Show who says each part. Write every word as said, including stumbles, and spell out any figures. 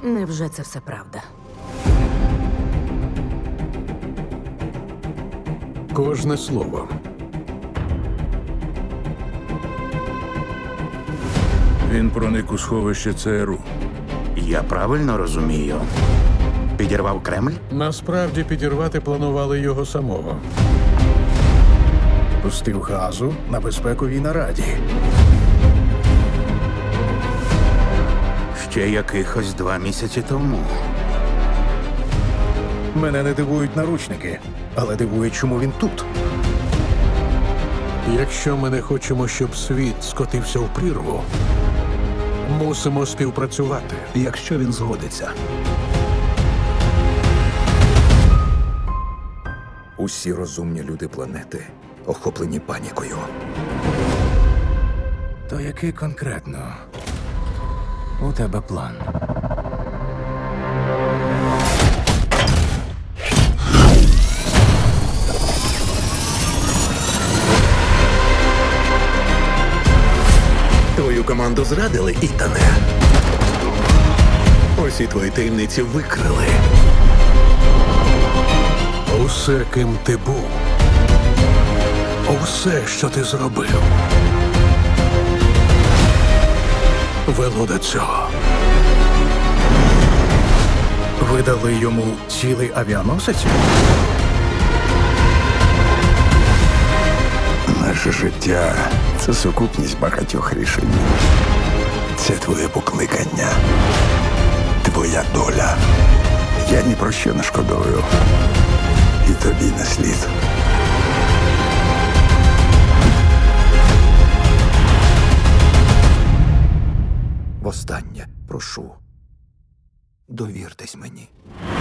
Speaker 1: Невже це все правда?
Speaker 2: Кожне слово.
Speaker 3: Він проник у сховище ЦРУ.
Speaker 4: Я правильно розумію? Підірвав Кремль?
Speaker 2: Насправді підірвати планували його самого.
Speaker 5: Пустив газу на безпековій нараді.
Speaker 4: Ще якихось два місяці тому.
Speaker 5: Мене не дивують наручники, але дивує, чому він тут.
Speaker 2: Якщо ми не хочемо, щоб світ скотився в прірву, мусимо співпрацювати.
Speaker 5: Якщо він згодиться. Усі розумні люди планети охоплені панікою. То який конкретно у тебе план?
Speaker 6: Твою команду зрадили, Ітане. Усі твої таємниці викрили.
Speaker 2: Усе, ким ти був, усе, що ти зробив, вело до цього.
Speaker 5: Ви дали йому цілий авіаносець?
Speaker 7: Наше життя – це сукупність багатьох рішень. Це твоє покликання, твоя доля. Я ні про що не шкодую. І тобі не слід.
Speaker 5: Востаннє прошу. Довіртесь мені.